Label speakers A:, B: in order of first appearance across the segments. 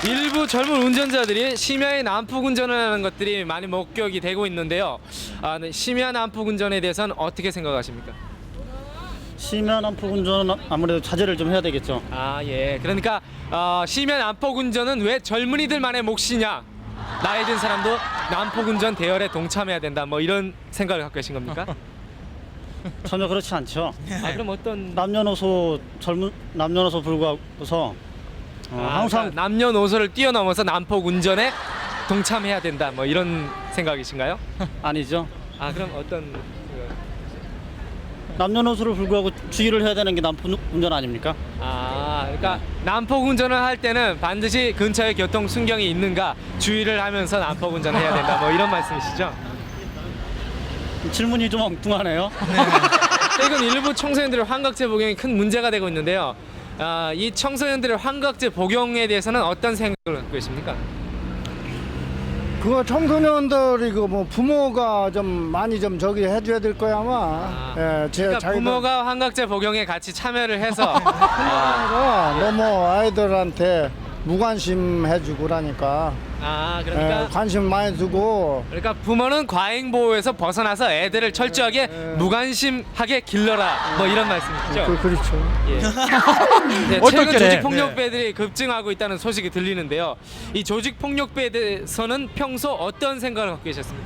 A: 일부 젊은 운전자들이 심야에 난폭 운전을 하는 것들이 많이 목격이 되고 있는데요. 네, 심야 난폭 운전에 대해서는 어떻게 생각하십니까?
B: 심야 난폭 운전은 아무래도 자제를 좀 해야 되겠죠.
A: 예. 그러니까 심야 난폭 운전은 왜 젊은이들만의 몫이냐? 나이 든 사람도 난폭 운전 대열에 동참해야 된다. 뭐 이런 생각을 갖고 계신 겁니까?
B: 전혀 그렇지 않죠.
A: 그럼 어떤
B: 남녀노소 불구하고서 항상
A: 그러니까 남녀노소를 뛰어넘어서 난폭 운전에 동참해야 된다. 뭐 이런 생각이신가요?
B: 아니죠.
A: 그럼 어떤
B: 남녀노소를 불구하고 주의를 해야 되는 게 난폭 운전 아닙니까?
A: 그러니까 난폭 운전을 할 때는 반드시 근처에 교통 순경이 있는가 주의를 하면서 난폭 운전을 해야 된다. 뭐 이런 말씀이시죠?
B: 질문이 좀 엉뚱하네요.
A: 최근 일부 청소년들의 환각제 복용이 큰 문제가 되고 있는데요. 이 청소년들의 환각제 복용에 대해서는 어떤 생각을 갖고 계십니까?
C: 그거 청소년들이 그 뭐 부모가 좀 많이 좀 저기 해줘야 될 거야 아마.
A: 그러니까 부모가 환각제 복용에 같이 참여를 해서
C: 너무 아이들한테 무관심 해주고 그러니까.
A: 그러니까
C: 관심 많이 두고.
A: 그러니까 부모는 과잉 보호에서 벗어나서 애들을 철저하게 무관심하게 길러라. 뭐 이런 말씀이시죠?
C: 그렇죠.
A: 네, 최근 조직 폭력배들이 급증하고 있다는 소식이 들리는데요. 이 조직 폭력배에 대해서는 평소 어떤 생각을 갖고 계셨습니까?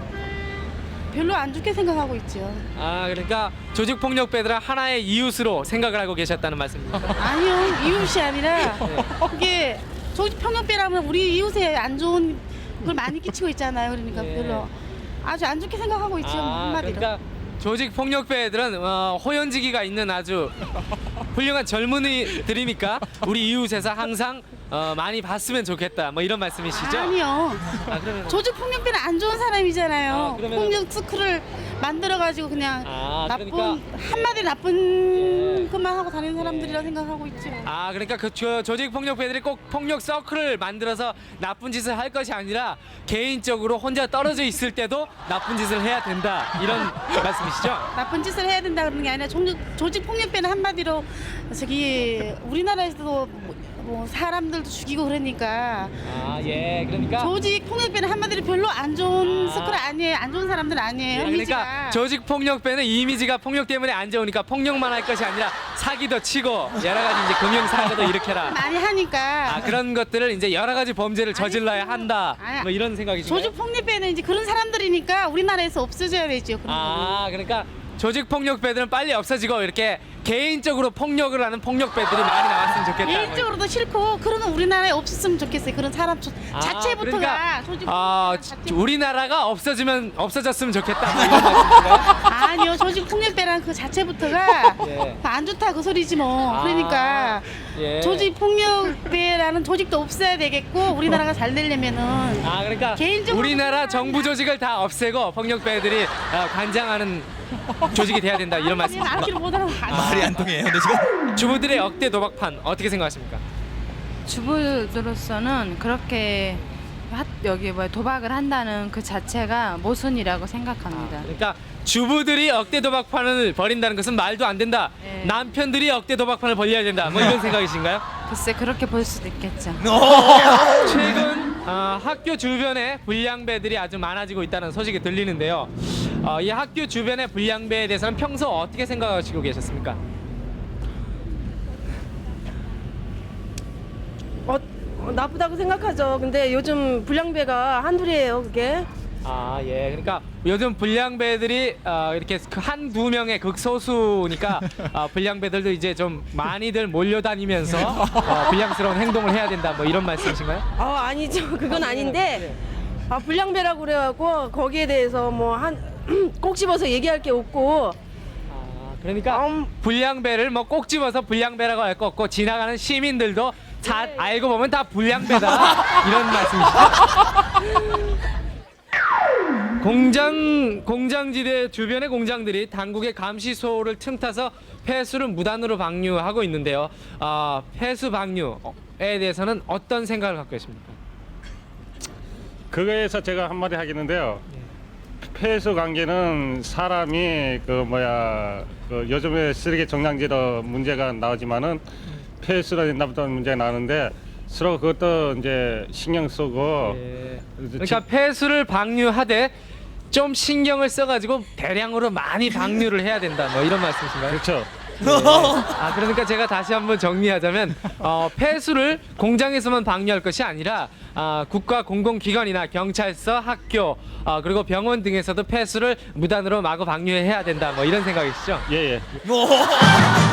D: 별로 안 좋게 생각하고 있죠.
A: 그러니까 조직 폭력배들은 하나의 이웃으로 생각을 하고 계셨다는 말씀입니다.
D: 아니요, 이웃이 아니라 그게 조직 폭력배라면 우리 이웃에 안 좋은 걸 많이 끼치고 있잖아요. 그러니까
A: 예.
D: 별로 아주 안 좋게 생각하고 있죠. 한마디로.
A: 그러니까 조직 폭력배들은 호연지기가 있는 아주 훌륭한 젊은이들이니까 우리 이웃에서 항상 많이 봤으면 좋겠다. 뭐 이런 말씀이시죠?
D: 아니요.
A: 그러면
D: 조직 폭력배는 안 좋은 사람이잖아요.
A: 그러면은-
D: 폭력 스크를 만들어가지고 그냥 나쁜
A: 그러니까-
D: 한마디 나쁜 것만 하고 다니는 사람들이라 생각하고 있죠.
A: 그러니까 그 조직 폭력배들이 꼭 폭력 서클을 만들어서 나쁜 짓을 할 것이 아니라 개인적으로 혼자 떨어져 있을 때도 나쁜 짓을 해야 된다. 이런 말씀이시죠?
D: 나쁜 짓을 해야 된다 그러는 게 아니라 조직 폭력배는 한마디로 저기 우리나라에서도 뭐 사람들도 죽이고 그러니까
A: 예. 그러니까
D: 조직 폭력배는 한마디로 별로 안 좋은 스쿨 아니에요. 안 좋은 사람들 아니에요.
A: 그러니까
D: 이미지가.
A: 조직 폭력배는 이미지가 폭력 때문에 안 좋으니까 폭력만 할 것이 아니라 사기도 치고 여러 가지 이제 금융 사고도 일으켜라.
D: 많이 하니까
A: 그런 것들을 이제 여러 가지 범죄를 저질러야 한다.
D: 아니,
A: 뭐 이런 생각이신가요?
D: 조직 폭력배는 이제 그런 사람들이니까 우리나라에서 없어져야 되죠. 그런 거는.
A: 그러니까 조직 폭력배들은 빨리 없어지고 이렇게 개인적으로 폭력을 하는 폭력배들이 많이 나왔으면 좋겠다.
D: 개인적으로도 싫고 그런 건 우리나라에 없었으면 좋겠어요. 그런 사람 자체부터가
A: 그러니까,
D: 조직 폭력배가 자체부터.
A: 우리나라가 없어졌으면 좋겠다. 뭐 이런 말씀이신가요?
D: 아니요, 조직 폭력배란 그 자체부터가
A: 예.
D: 안 좋다 그 소리지 뭐. 그러니까
A: 예.
D: 조직 폭력배라는 조직도 없어야 되겠고 우리나라가 잘 되려면은
A: 그러니까
D: 개인적으로
A: 우리나라 정부 조직을 다 없애고 폭력배들이 관장하는 조직이 돼야 된다 이런 말씀.
D: 말귀를 못하는
E: 말이 안 통해요. 근데 지금
A: 주부들의 억대 도박판 어떻게 생각하십니까?
F: 주부들로서는 그렇게 여기 도박을 한다는 그 자체가 모순이라고 생각합니다.
A: 그러니까 주부들이 억대 도박판을 벌인다는 것은 말도 안 된다.
F: 네.
A: 남편들이 억대 도박판을 벌려야 된다. 뭐 이런 생각이신가요?
F: 글쎄 그렇게 볼 수도 있겠죠.
A: 최근 학교 주변에 불량배들이 아주 많아지고 있다는 소식이 들리는데요. 이 학교 주변의 불량배에 대해서는 평소 어떻게 생각하시고 계셨습니까?
G: 나쁘다고 생각하죠. 근데 요즘 불량배가 한둘이에요, 그게.
A: 예. 그러니까 요즘 불량배들이 이렇게 한두 명의 극소수니까 불량배들도 이제 좀 많이들 몰려다니면서 불량스러운 행동을 해야 된다. 뭐 이런 말씀이신가요?
G: 아니죠. 그건 아닌데. 불량배라고 그래갖고 거기에 대해서 뭐 꼭 집어서 얘기할 게 없고.
A: 그러니까 불량배를 뭐 꼭 집어서 불량배라고 할 거 없고 지나가는 시민들도 다 알고 보면 다 불량배다 이런 말씀이시죠? 공장지대 주변의 공장들이 당국의 감시소를 틈타서 폐수를 무단으로 방류하고 있는데요. 폐수 방류에 대해서는 어떤 생각을 갖고 계십니까?
H: 그거에서 제가 한마디 하겠는데요. 폐수 관계는 사람이 요즘에 쓰레기 정량제로 문제가 나오지만은 폐수로 된다부터 문제가 나오는데 서로 그것도 이제 신경 쓰고
A: 예. 그러니까 폐수를 방류하되 좀 신경을 써가지고 대량으로 많이 방류를 해야 된다. 뭐 이런 말씀이신가요?
H: 그렇죠.
A: 아 그러니까 제가 다시 한번 정리하자면 폐수를 공장에서만 방류할 것이 아니라 국가 공공기관이나 경찰서, 학교 그리고 병원 등에서도 폐수를 무단으로 마구 방류해야 된다. 뭐 이런 생각이시죠?
H: 예, 예.